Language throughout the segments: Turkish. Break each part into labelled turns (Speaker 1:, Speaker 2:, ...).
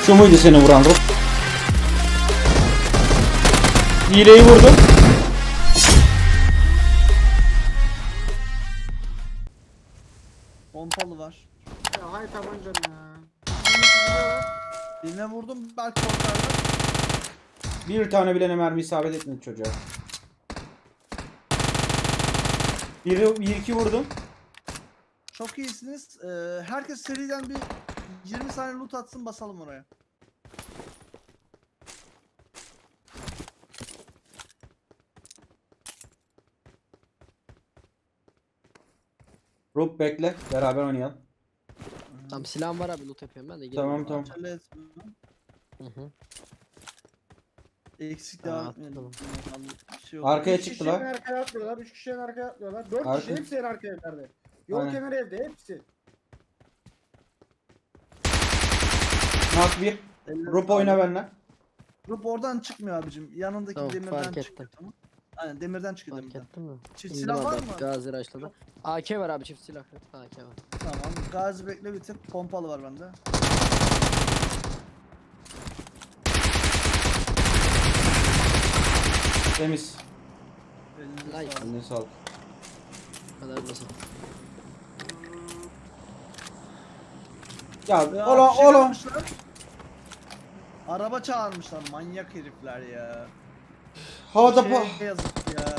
Speaker 1: Şu muydu seni vuran Rup? Hileyi vurdum.
Speaker 2: Pompalı var.
Speaker 3: Ya hay tabancam ya.
Speaker 2: Birine vurdum belki ortardı.
Speaker 1: Bir tane bilene mermi isabet etmedi çocuğa. Bir iki vurdum.
Speaker 2: Çok iyisiniz. Herkes seriden bir 20 saniye loot atsın basalım oraya.
Speaker 1: Rup bekle. Beraber oynayalım.
Speaker 4: Tamam silahım var abi loot yapıyorum ben de.
Speaker 1: Tamam tamam.
Speaker 2: Acele etme.
Speaker 4: Hı hı.
Speaker 2: Eksik
Speaker 4: Aa,
Speaker 2: devam etmeyelim.
Speaker 4: tamam.
Speaker 2: Bir şey yok.
Speaker 1: Arkaya
Speaker 3: 3 kişi en
Speaker 1: çıktılar.
Speaker 3: arkaya atlıyorlar, 3 kişi en arkaya atlıyorlar. 4
Speaker 1: Arka-
Speaker 3: kişi hepsi en arka evlerde. Yol
Speaker 1: Aynen.
Speaker 3: kenarı evde hepsi.
Speaker 1: Nak bir.
Speaker 2: Ellerine
Speaker 1: Rup oyna
Speaker 2: sağlık.
Speaker 1: benimle.
Speaker 2: Rup oradan çıkmıyor abicim. Yanındaki
Speaker 4: Tamam,
Speaker 2: demirden
Speaker 4: fark
Speaker 2: çıkıyor.
Speaker 4: ettim.
Speaker 2: Tamam. Aynen demirden çıkıyor
Speaker 4: Fark
Speaker 2: demirden.
Speaker 4: ettin mi?
Speaker 2: Çift
Speaker 4: İndim
Speaker 2: silah var
Speaker 4: abi,
Speaker 2: mı?
Speaker 4: Gazi Raşlı'da. AK var abi çift silah. AK var.
Speaker 2: Tamam. Gazi bekle bir tık. Pompalı var bende.
Speaker 1: Temiz.
Speaker 2: Elinize
Speaker 4: Nice.
Speaker 2: sağlık.
Speaker 1: Eline sağlık.
Speaker 4: Bu kadar basit.
Speaker 1: Ya
Speaker 2: Ya,
Speaker 1: ola
Speaker 2: bir şey
Speaker 1: ola.
Speaker 2: yapmışlar. Araba çağırmışlar manyak herifler ya.
Speaker 1: Havada
Speaker 2: Şey
Speaker 1: pa.
Speaker 2: yazık ya.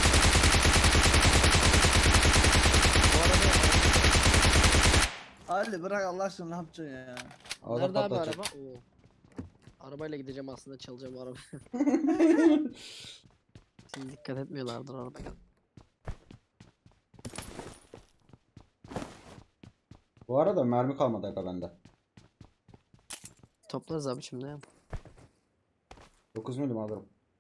Speaker 2: Ali bırak Allah aşkına ne yapacaksın ya?
Speaker 1: Havada
Speaker 4: Nerede abi
Speaker 1: patlatacak.
Speaker 4: araba? Oo. Arabayla gideceğim aslında çalacağım araba. Siz dikkat etmiyorlardır arabaya.
Speaker 1: Bu arada mermi kalmadı aga bende.
Speaker 4: Toplarız abi şimdi ya.
Speaker 1: 9 milim alırım.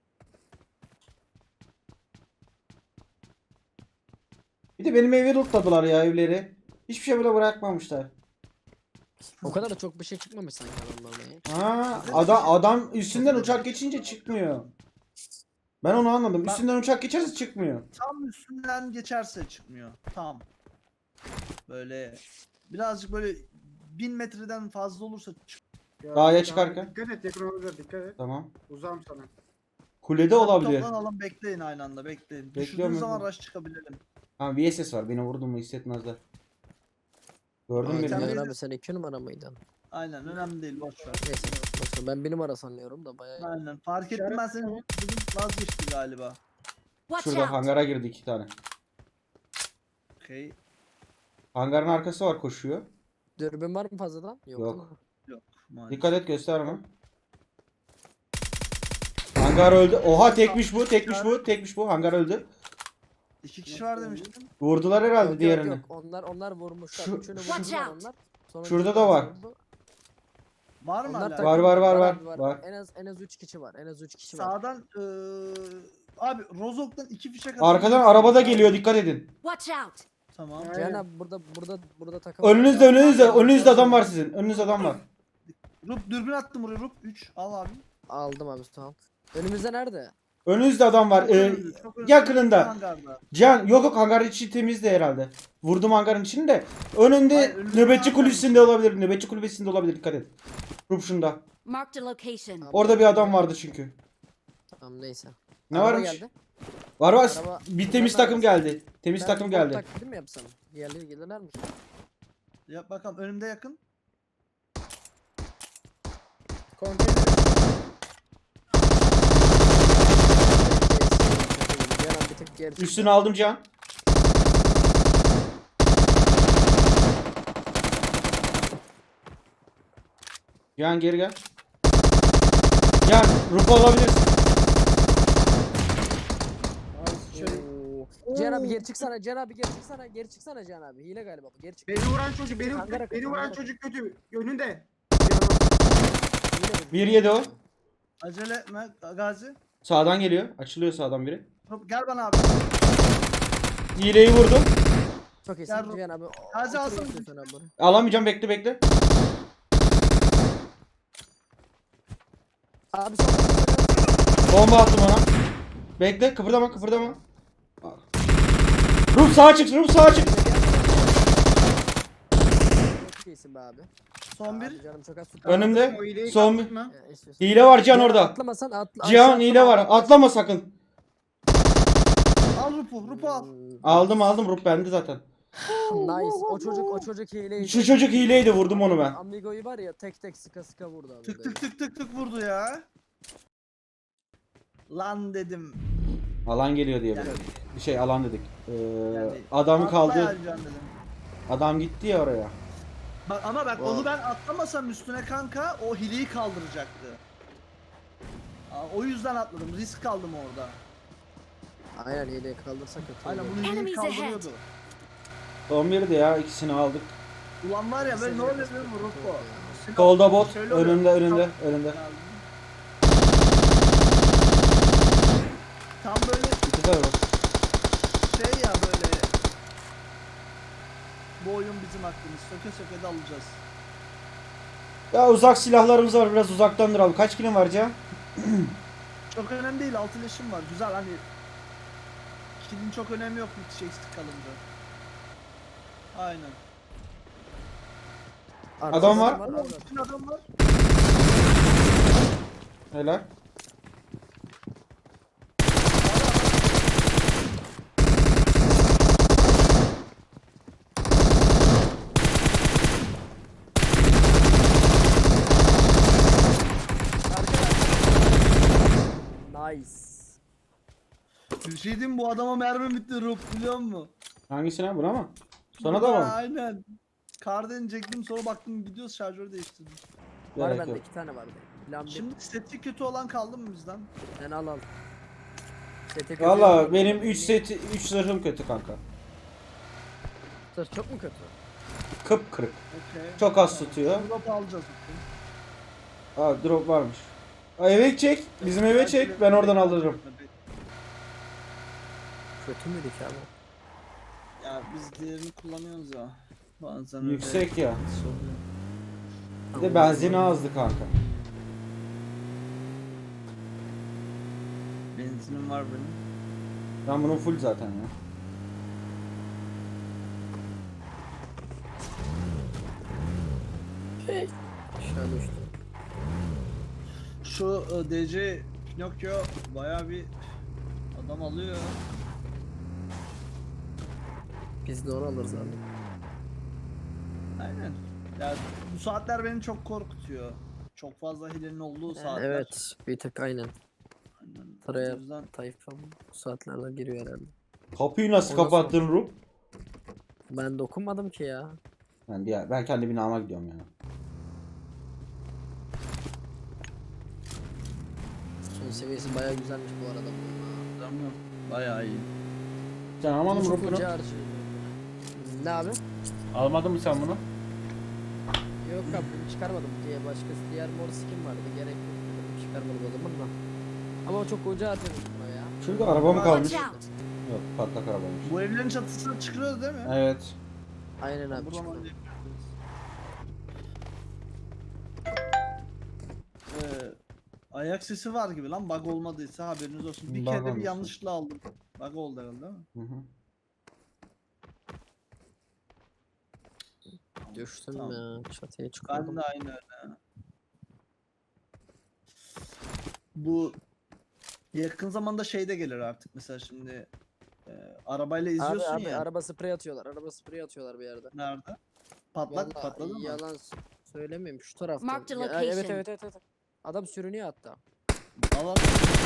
Speaker 1: Bir de benim evi lootladılar ya evleri. Hiçbir şey bile bırakmamışlar.
Speaker 4: O kadar da çok bir şey çıkmamış sanki adamlardan ya.
Speaker 1: Ha, adam üstünden uçak geçince çıkmıyor. Ben onu anladım. Üstünden uçak geçerse çıkmıyor.
Speaker 2: Tam üstünden geçerse çıkmıyor. Tam. Böyle birazcık böyle 1000 metreden fazla olursa
Speaker 3: Ya,
Speaker 1: Dağa
Speaker 3: ya,
Speaker 1: çıkarken.
Speaker 3: Dikkat et yakın olabilir dikkat et.
Speaker 1: Tamam.
Speaker 3: Uzağım sana.
Speaker 1: Kulede olabilir.
Speaker 2: Toplanalım bekleyin aynı anda bekleyin.
Speaker 1: Bekliyorum
Speaker 2: Düşürdüğünüz zaman
Speaker 1: ben.
Speaker 2: rush çıkabilelim.
Speaker 1: Ha VSS var. Beni vurdun mu hissetmezler. Gördün
Speaker 4: Aa,
Speaker 1: mü
Speaker 2: sen
Speaker 1: beni?
Speaker 2: bir-
Speaker 4: Caner abi sen 2 numara mıydın?
Speaker 2: Aynen önemli değil boş ver.
Speaker 4: Neyse. Boşver, ben 1 numara sanıyorum da bayağı.
Speaker 2: Aynen fark ettim ben seni bugün vazgeçti galiba.
Speaker 5: Watch
Speaker 1: Şurada
Speaker 5: out!
Speaker 1: hangara girdi 2 tane.
Speaker 2: Okey.
Speaker 1: Hangarın arkası var koşuyor.
Speaker 4: Dürbün var mı fazladan?
Speaker 1: Yok.
Speaker 4: değil mi?
Speaker 2: Maalesef.
Speaker 1: Dikkat et gösterme. Hangar öldü. Oha tekmiş bu, tekmiş bu, tekmiş bu. Hangar öldü.
Speaker 2: 2 kişi var demiştim.
Speaker 1: Vurdular herhalde
Speaker 4: Yok,
Speaker 1: diğerini.
Speaker 4: Yok, yok. Onlar vurmuşlar.
Speaker 1: Şu-
Speaker 4: Üçünü
Speaker 5: Watch
Speaker 4: vurdular
Speaker 5: out.
Speaker 4: onlar. Sonra
Speaker 1: Şurada
Speaker 4: bir
Speaker 1: da var.
Speaker 4: tanesi vurdu.
Speaker 2: Var mı
Speaker 4: Onlar
Speaker 2: hala?
Speaker 4: takım-
Speaker 1: Var,
Speaker 4: abi,
Speaker 1: var.
Speaker 4: En az 3 kişi var. En az 3 kişi var.
Speaker 2: Sağdan abi Rozok'tan 2 fişek
Speaker 1: Arkadan araba da geliyor, dikkat edin.
Speaker 5: Watch out!
Speaker 2: Tamam.
Speaker 3: Ya.
Speaker 4: Cihan abi burada takım.
Speaker 1: Önünüzde adam var sizin. Önünüzde adam var.
Speaker 2: Rup dürbün attım buraya Rup 3 al abi.
Speaker 4: Aldım abi sağ ol. Önümüzde nerede?
Speaker 1: Önünüzde adam var.
Speaker 2: Çok önemli, çok önemli.
Speaker 1: yakınında.
Speaker 2: Hangarda.
Speaker 1: Cihan yok hangar içi temizdi herhalde. Vurdum hangarın içini de. Önünde
Speaker 2: Hayır, önünde
Speaker 1: nöbetçi
Speaker 2: hangar
Speaker 1: kulübesinde olabilir. Nöbetçi kulübesinde olabilir, dikkat et. Rup şunda.
Speaker 5: Marked a location.
Speaker 1: Orada bir adam vardı çünkü.
Speaker 4: Tamam neyse.
Speaker 1: Ne
Speaker 4: Araba
Speaker 1: varmış?
Speaker 4: geldi.
Speaker 1: Var.
Speaker 4: Araba-
Speaker 1: Bir temiz
Speaker 4: Araba-
Speaker 1: takım geldi. Temiz
Speaker 4: Ben
Speaker 1: takım
Speaker 4: bot
Speaker 1: geldi.
Speaker 4: taklidi mi yapsam? Diğerleri gelirler mi?
Speaker 2: Yap bakalım önümde yakın.
Speaker 3: Konteyner.
Speaker 4: Cihan abi bir tık geri çıktı.
Speaker 1: Üstünü aldım Cihan. Cihan geri gel. Cihan Rupa alabilirsin.
Speaker 3: Abi şöyle.
Speaker 4: Oo. Cihan abi geri çıksana. Cihan abi geri çıksana. Geri çıksana Cihan abi. Hile galiba bu. Geri çık.
Speaker 3: Beni vuran çocuk
Speaker 4: Hangara kaç,
Speaker 3: beni vuran
Speaker 4: hangara
Speaker 3: çocuk kötü. Önünde.
Speaker 4: Hile bu.
Speaker 1: 1-7 o.
Speaker 2: Acele etme Gazi.
Speaker 1: Sağdan geliyor. Açılıyor sağdan biri.
Speaker 2: Rup gel bana abi.
Speaker 1: Hileyi vurdum.
Speaker 4: Çok iyisin
Speaker 2: Gel,
Speaker 4: Cihan abi.
Speaker 2: Gazi
Speaker 4: Otur
Speaker 2: alsana.
Speaker 4: istiyorsan abi bunu.
Speaker 1: Alamayacağım, bekle.
Speaker 4: Abi son.
Speaker 1: Bomba attım ona. Bekle, kıpırdama. Rup sağa çık.
Speaker 4: Çok iyisin be abi.
Speaker 2: Son
Speaker 4: Abi
Speaker 2: bir.
Speaker 4: canım çok az tut.
Speaker 1: Önümde.
Speaker 3: O hileyi
Speaker 1: Son
Speaker 3: kaptın mı?
Speaker 4: İstiyorsan.
Speaker 1: Hile var Can
Speaker 4: Cihan
Speaker 1: orada.
Speaker 4: Atlamasan atla.
Speaker 1: Cihan
Speaker 4: aşağı
Speaker 1: hile
Speaker 4: atlama,
Speaker 1: var.
Speaker 4: atla.
Speaker 1: Atlama sakın.
Speaker 2: Al Rupu. Rupu al.
Speaker 1: Aldım Rup bende zaten.
Speaker 4: Nice. O çocuk hileydi.
Speaker 1: Şu çocuk hileydi, vurdum onu ben.
Speaker 4: Amigo'yu var ya tek tek sıka sıka vurdu abi.
Speaker 2: Tık tık tık tık tık vurdu ya. Lan dedim.
Speaker 1: Alan geliyor diye.
Speaker 2: Yani-
Speaker 1: Bir şey alan dedik.
Speaker 2: Yani
Speaker 1: Adam
Speaker 2: atla
Speaker 1: kaldı.
Speaker 2: ya Can dedim.
Speaker 1: Adam gitti ya oraya.
Speaker 2: Bak ama bak
Speaker 1: Wow.
Speaker 2: onu ben atlamasam üstüne kanka o hileyi kaldıracaktı. O yüzden atladım. Risk aldım orada.
Speaker 4: Aynen hileyi kaldırsa kötü
Speaker 2: Aynen
Speaker 4: olur.
Speaker 2: bunu hileyi
Speaker 5: Enemies ahead.
Speaker 2: kaldırıyordu.
Speaker 1: Son biri de ya, ikisini aldık.
Speaker 2: Ulan var ya böyle ne oluyor biliyor musun Rupo?
Speaker 1: Solda bot.
Speaker 2: Şöyle oluyor.
Speaker 1: Önünde.
Speaker 2: Tam böyle
Speaker 1: İki de var.
Speaker 2: şey ya böyle. Bu oyun bizim hakkımız. Söke söke de alacağız.
Speaker 1: Ya uzak silahlarımız var, biraz uzaktan duralım. Kaç kilim var Cihan?
Speaker 2: Çok önemli değil. 6 leşim var. Güzel hani. Kilin çok önemi yok bir şey eksik kalınca. Aynen.
Speaker 1: Adam var.
Speaker 2: Ama bütün adam var.
Speaker 1: Helal.
Speaker 4: Nice.
Speaker 2: Bir şey diyeyim mi? Bu adama mermi bitti Rup biliyor musun?
Speaker 1: Hangisine? Buna mı? Sana da
Speaker 2: Ha,
Speaker 1: mı?
Speaker 2: aynen. Kardan çektim sonra baktım gidiyoruz şarjörü değiştirdim.
Speaker 4: Var
Speaker 1: Gerek
Speaker 4: bende
Speaker 1: yok.
Speaker 4: 2 tane vardı. Plan bir.
Speaker 2: Şimdi seti kötü olan kaldı mı bizden?
Speaker 4: Sen al. Sete kötü
Speaker 1: Valla
Speaker 4: yok.
Speaker 1: benim 3 zırhım kötü kanka.
Speaker 4: Sır çok mu kötü?
Speaker 1: Kıpkırık.
Speaker 2: Okey.
Speaker 1: Çok az tutuyor.
Speaker 2: Drop alacağız.
Speaker 1: Aa drop varmış. Aa, eve çek. Bizim eve çek. Ben oradan alırım.
Speaker 4: Kötü müydü ki abi?
Speaker 2: Ya biz diğerini kullanıyoruz ya. Bazen öyle
Speaker 1: Yüksek ya.
Speaker 2: sorun.
Speaker 1: Bir de benzini azdı kanka.
Speaker 2: Benzinim var benim.
Speaker 1: Ben bunun full zaten ya.
Speaker 4: Aşağı düştü.
Speaker 2: Şu DC Pinokyo baya bir adam alıyor.
Speaker 4: Biz de onu alırız abi.
Speaker 2: Aynen. Ya bu saatler beni çok korkutuyor. Çok fazla hilenin olduğu saatler.
Speaker 4: Evet bir tık aynen.
Speaker 2: Aynen.
Speaker 4: Sıraya
Speaker 2: O yüzden
Speaker 4: Tayfa bu saatlerde giriyor herhalde.
Speaker 1: Kapıyı nasıl
Speaker 4: Ondan
Speaker 1: kapattın Rup?
Speaker 4: Ben dokunmadım ki ya.
Speaker 1: Ben kendi binama gidiyorum ya.
Speaker 4: Son seviyesi bayağı güzelmiş bu arada bunun.
Speaker 2: Tamam. Bayağı iyi.
Speaker 1: Sen almadın mı
Speaker 4: Çok
Speaker 1: Rup bunu?
Speaker 4: ucu harcıyor. Ne abi?
Speaker 1: Almadın mı sen bunu?
Speaker 4: Yok abi bunu çıkarmadım diye diğer mor skin vardı gerek yok dedim çıkarmadım o zaman da. Ama o çok ucu harcadım buna ya.
Speaker 1: Şurada araba mı kalmış?
Speaker 5: Watch out.
Speaker 1: Yok, patlak arabaymış.
Speaker 2: Bu evlerin çatısına çıkıyoruz değil mi?
Speaker 1: Evet.
Speaker 4: Aynen abi
Speaker 2: Buradan
Speaker 4: çıktı.
Speaker 2: alacağız. Ayak sesi var gibi lan bug olmadıysa haberiniz olsun. Bir
Speaker 1: Bug
Speaker 2: kere de bir
Speaker 1: olmuş.
Speaker 2: yanlışla aldım. Bug oldu herhalde değil mi?
Speaker 1: Hı hı.
Speaker 4: Düştüm
Speaker 2: Tamam.
Speaker 4: ya çatıya
Speaker 2: Ben
Speaker 4: çıkıyordum.
Speaker 2: de aynı öyle. Bu yakın zamanda şey de gelir artık mesela şimdi arabayla
Speaker 4: Abi
Speaker 2: izliyorsun
Speaker 4: abi
Speaker 2: ya.
Speaker 4: araba sprey atıyorlar. Araba sprey atıyorlar bir yerde.
Speaker 2: Nerede? Patlak
Speaker 4: Vallahi
Speaker 2: patladı mı?
Speaker 4: yalan söylemeyeyim şu tarafta.
Speaker 5: Marked a
Speaker 4: Evet,
Speaker 5: location.
Speaker 4: evet. Adam sürünüyor hatta.
Speaker 2: Allah.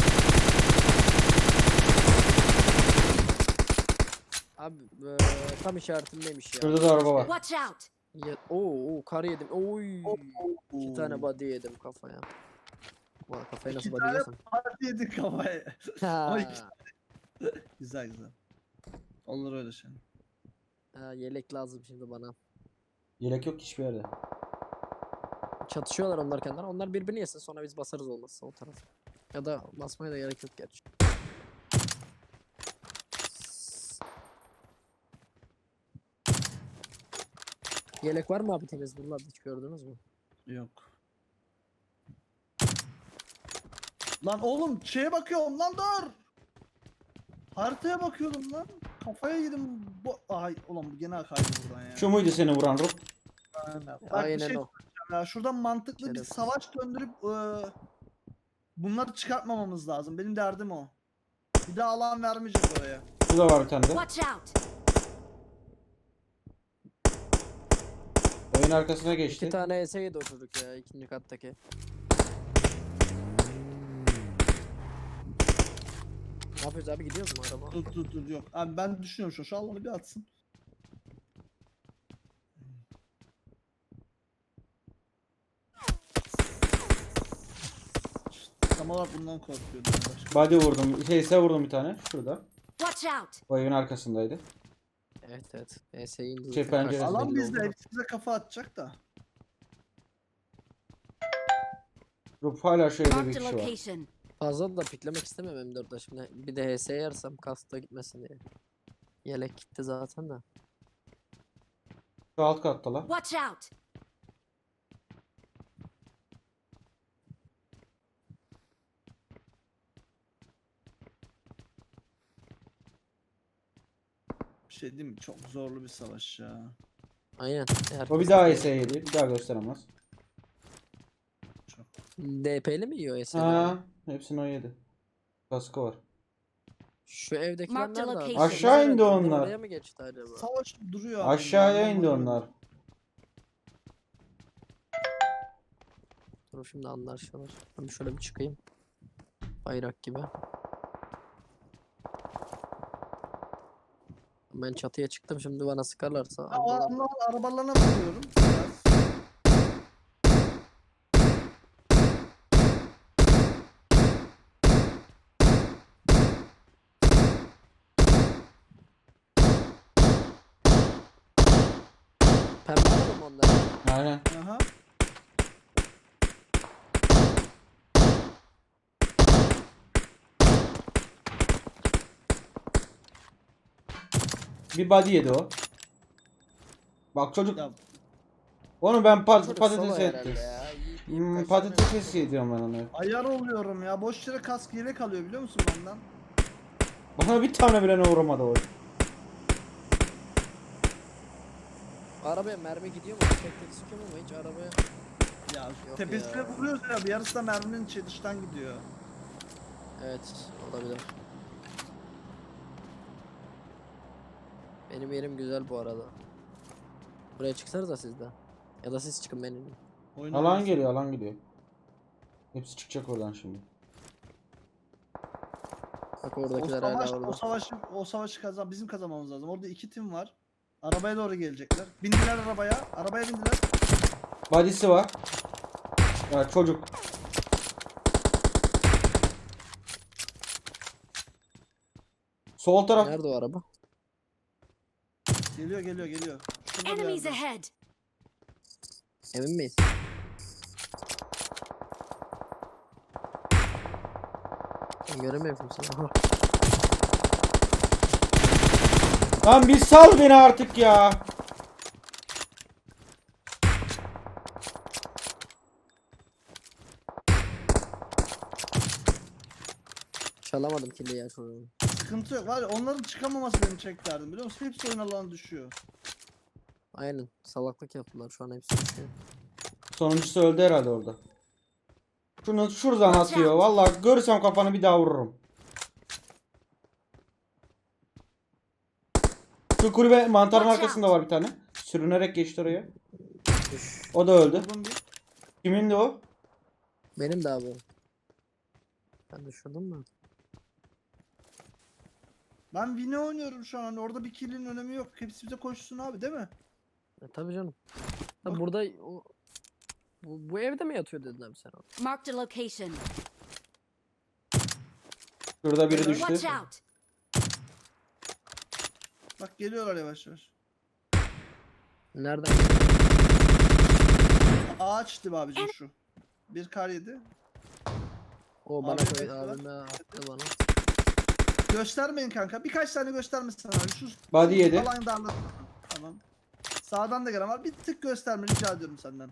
Speaker 4: Abi tam işaretimdeymiş ya.
Speaker 1: Şurada da araba var.
Speaker 5: Watch out.
Speaker 4: Oo kar yedim. Oy. İki tane body yedim kafaya. Ulan kafaya nasıl
Speaker 2: İki
Speaker 4: body
Speaker 2: tane
Speaker 4: yiyorsun?
Speaker 2: Parti yedik kafaya.
Speaker 4: Ha.
Speaker 2: Ay. Güzel güzel. Olur öyle şey.
Speaker 4: Ha, yelek lazım şimdi bana.
Speaker 1: Yelek yok hiçbir yerde.
Speaker 4: Çatışıyorlar onlar kendileri. Onlar birbirini yesin sonra biz basarız olmazsa o taraf. Ya da basmaya da gerek yok gerçi. Yelek var mı abi temiz buralarda hiç gördünüz mü?
Speaker 2: Yok. Lan oğlum şeye bakıyorum lan dur. Haritaya bakıyordum lan. Kafaya yedim. Ay ulan bu gene kaydı buradan ya.
Speaker 1: Şu muydu seni vuran Rup?
Speaker 2: Aynen. Bak, bir
Speaker 4: Aynen
Speaker 2: şey
Speaker 4: o.
Speaker 2: Ya şuradan mantıklı bir
Speaker 4: Şerefsiz.
Speaker 2: savaş döndürüp bunları çıkartmamamız lazım. Benim derdim o. Bir daha alan vermeyeceğiz oraya.
Speaker 1: Şurada var bir tane de.
Speaker 5: Watch out!
Speaker 1: Oyun arkasına
Speaker 4: İki
Speaker 1: geçti.
Speaker 4: tane ES yedi o çocuk ya ikinci kattaki. Ne yapıyoruz abi, gidiyoruz mu araba?
Speaker 2: Dur yok. Abi ben düşünüyorum şu alanı bir atsın. Tam olarak bundan korkuyordum başka.
Speaker 1: Body vurdum. Şeyse vurdum bir tane. Şurada.
Speaker 5: Watch out!
Speaker 1: O evin arkasındaydı.
Speaker 4: Evet evet. ES indi.
Speaker 1: Şey,
Speaker 4: zaten,
Speaker 1: penceresi
Speaker 4: kaçtı
Speaker 2: Alan
Speaker 4: belli
Speaker 2: bizde,
Speaker 4: oldu.
Speaker 2: hepsi bize kafa atacak da.
Speaker 1: Rup hala şu evde bir
Speaker 5: Marked a
Speaker 1: kişi var.
Speaker 5: location.
Speaker 4: Fazla da piklemek istemem M4'da şimdi. Bir de HS yersem kasta gitmesin diye. Yelek gitti zaten de.
Speaker 1: Şu alt katta la.
Speaker 5: Watch out!
Speaker 2: Bir şey değil mi? Çok zorlu bir savaş ya.
Speaker 4: Aynen. Eğer
Speaker 1: O bir daha ES yedi. Bir daha gösteremez.
Speaker 2: Çok.
Speaker 4: DP'li mi yiyor ES'leri?
Speaker 1: Ha, hepsini o yedi. Kaskı var.
Speaker 4: Şu evdekiler
Speaker 5: Marked
Speaker 4: nerede abi?
Speaker 5: location.
Speaker 1: Aşağı indi
Speaker 4: Nerede?
Speaker 1: onlar.
Speaker 4: Oraya mı geçti acaba?
Speaker 2: Savaş duruyor abi.
Speaker 1: Aşağıya indi
Speaker 2: Anlamadım.
Speaker 1: onlar.
Speaker 4: Dur şimdi anlaşılır. Ben şöyle bir çıkayım. Bayrak gibi. Ben çatıya çıktım, şimdi bana sıkarlarsa.
Speaker 2: Ya, o
Speaker 4: Allah.
Speaker 2: adamlar arabalarına vuruyorum. Biraz.
Speaker 4: Pembe alalım onları.
Speaker 1: Aynen.
Speaker 2: Aha.
Speaker 1: Bir body yedi o. Bak çocuk.
Speaker 2: Ya,
Speaker 1: Onu ben
Speaker 4: Çocuk
Speaker 1: patates
Speaker 4: solo herhalde
Speaker 1: ettim.
Speaker 4: ya. Yiyip
Speaker 1: Patates yediyorum ben onu.
Speaker 2: ayar oluyorum ya. Boş yere kask yelek alıyor biliyor musun benden?
Speaker 1: Bana bir tane bile ne uğramadı o.
Speaker 4: Arabaya mermi gidiyor mu? Tek tek sıkıyor mu ama hiç arabaya...
Speaker 2: Ya
Speaker 4: Yok
Speaker 2: tepesine
Speaker 4: ya.
Speaker 2: vuruyoruz ya. Bir yarısı da merminin dıştan gidiyor.
Speaker 4: Evet, olabilir. Benim yerim güzel bu arada. Buraya çıksanız da siz de. Ya da siz çıkın benim.
Speaker 2: Oyun
Speaker 1: Alan
Speaker 2: oynasın.
Speaker 1: geliyor, alan geliyor. Hepsi çıkacak oradan şimdi.
Speaker 4: Bak
Speaker 2: O
Speaker 4: oradakiler hala
Speaker 2: savaş,
Speaker 4: orada.
Speaker 2: o savaşı bizim kazanmamız lazım. Orada iki tim var. Arabaya doğru gelecekler. Bindiler arabaya. Arabaya bindiler.
Speaker 1: Body'si var. Ya çocuk. Sol taraf.
Speaker 4: Nerede o araba?
Speaker 2: Geliyor. Şurada bir
Speaker 5: Enemies
Speaker 2: yerde.
Speaker 5: ahead!
Speaker 4: Emin miyiz? Ben göremiyorum seni. Aha.
Speaker 1: Lan bir sal beni artık ya.
Speaker 4: Çalamadım killi ya şunu.
Speaker 2: Sıkıntı yok. Var ya, onların çıkamaması beni çeklerdim biliyor musun? Hepsi oyun alanına düşüyor.
Speaker 4: Aynen. Salaklık yaptılar şu an, hepsi düşüyor.
Speaker 1: Sonuncusu öldü herhalde orada. Şunu şuradan
Speaker 5: Watch
Speaker 1: atıyor.
Speaker 5: out.
Speaker 1: Vallahi görürsem kafanı bir daha vururum. Şu kulübe mantarın
Speaker 5: Watch
Speaker 1: arkasında var bir tane. Sürünerek geçti oraya.
Speaker 4: Düş.
Speaker 1: O da öldü.
Speaker 2: Vurdum bir.
Speaker 1: Kimindi o?
Speaker 4: Benim de abi. Ben düşürdüm mü?
Speaker 2: Ben Vini oynuyorum şu an. Hani orada bir kill'in önemi yok. Hepsi bize koşsun abi değil mi?
Speaker 4: Tabii canım. Ha,
Speaker 2: Bak.
Speaker 4: burada o... Bu evde mi yatıyor dedin abi sen?
Speaker 5: Marked a location.
Speaker 1: Şurada biri
Speaker 5: Watch
Speaker 1: düştü.
Speaker 5: out!
Speaker 2: Bak geliyorlar yavaş yavaş.
Speaker 4: Nereden?
Speaker 2: Ağaç dibi abicim şu. Bir kar yedi.
Speaker 4: O bana
Speaker 2: Abi,
Speaker 4: koy,
Speaker 2: evet, var.
Speaker 4: abime attı bana.
Speaker 2: Göstermeyin kanka. Birkaç tane göstermesin abi. Şu
Speaker 1: Body yedi.
Speaker 2: alan darlasın. Tamam. Sağdan da gelen var. Bir tık gösterme rica ediyorum senden.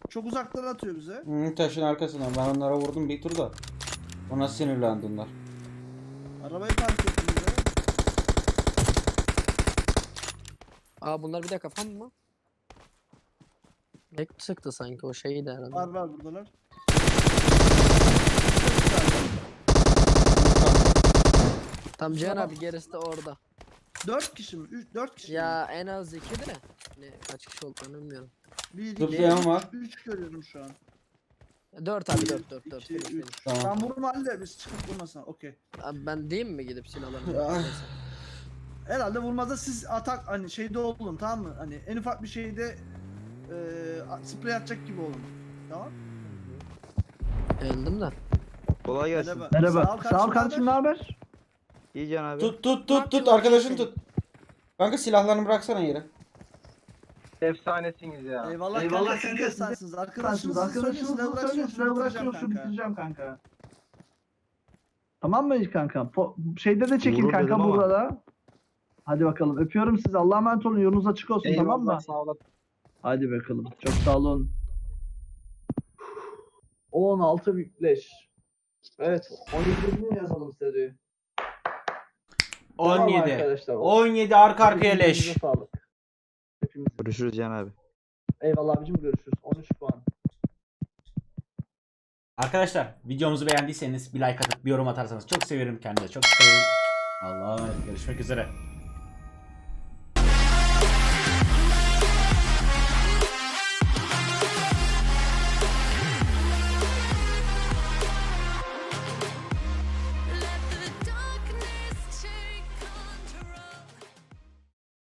Speaker 2: Çok uzaktan atıyor bize.
Speaker 1: Taşın arkasına. Ben onlara vurdum bir turda. Ona sinirlendi onlar.
Speaker 2: Arabayı park ettim bize.
Speaker 4: Aa bunlar bir de kafam mı? Ne sıktı sanki o şeyi de herhalde.
Speaker 2: Var buradalar.
Speaker 4: Tam Cihan abi gerisi de orada.
Speaker 2: 4 kişi mi? 4 kişi mi?
Speaker 4: Ya en az 2 de. Ne kaç kişi olduğunu bilmiyorum.
Speaker 2: 1,
Speaker 1: Zıplayan var.
Speaker 2: 3 görüyorum şu an.
Speaker 4: 4 abi 4
Speaker 2: 2,
Speaker 4: 4.
Speaker 2: 3.
Speaker 1: Tamam.
Speaker 2: Sen vurma halde biz çıkıp vurmasın. Okey.
Speaker 4: Abi ben diyeyim mi gidip silahlarını?
Speaker 1: Ah.
Speaker 4: Neyse.
Speaker 2: Herhalde vurmada siz atak hani şeyde olun, tamam mı? Hani en ufak bir şeyde sprey atacak gibi olun. Tamam?
Speaker 4: Öldüm de.
Speaker 6: Kolay gelsin.
Speaker 2: Merhaba. Sağ ol kardeşim, ne haber?
Speaker 6: İyi Can abi.
Speaker 1: Tut arkadaşını tut. Kanka silahlarını bıraksana yere.
Speaker 7: Efsanesiniz ya.
Speaker 2: Eyvallah kanka, siz de sensiz. Arkadaşınız söyleyin, silah bırakıyorsun, bitireceğim kanka.
Speaker 8: Tamam mı kanka? Şeyde de çekin
Speaker 6: Vurur
Speaker 8: kanka
Speaker 6: dedim ama.
Speaker 8: burada. Hadi bakalım. Öpüyorum sizi. Allah'a emanet olun. Yolunuz açık olsun, tamam mı?
Speaker 7: Sağ olun.
Speaker 8: Hadi bakalım. Çok sağ olun. 16 leş. Evet. 17'ini yazalım size diyor. Tamam
Speaker 1: 17.
Speaker 8: arkadaşlar.
Speaker 1: 17 arka arkaya leş.
Speaker 8: Hepinize sağlık. Hepimiz.
Speaker 6: Görüşürüz Can abi.
Speaker 8: Eyvallah abicim, görüşürüz. 13 puan.
Speaker 1: Arkadaşlar videomuzu beğendiyseniz bir like atıp bir yorum atarsanız çok sevinirim. Kendinize çok sevinirim. Allah'a emanet. Görüşmek üzere.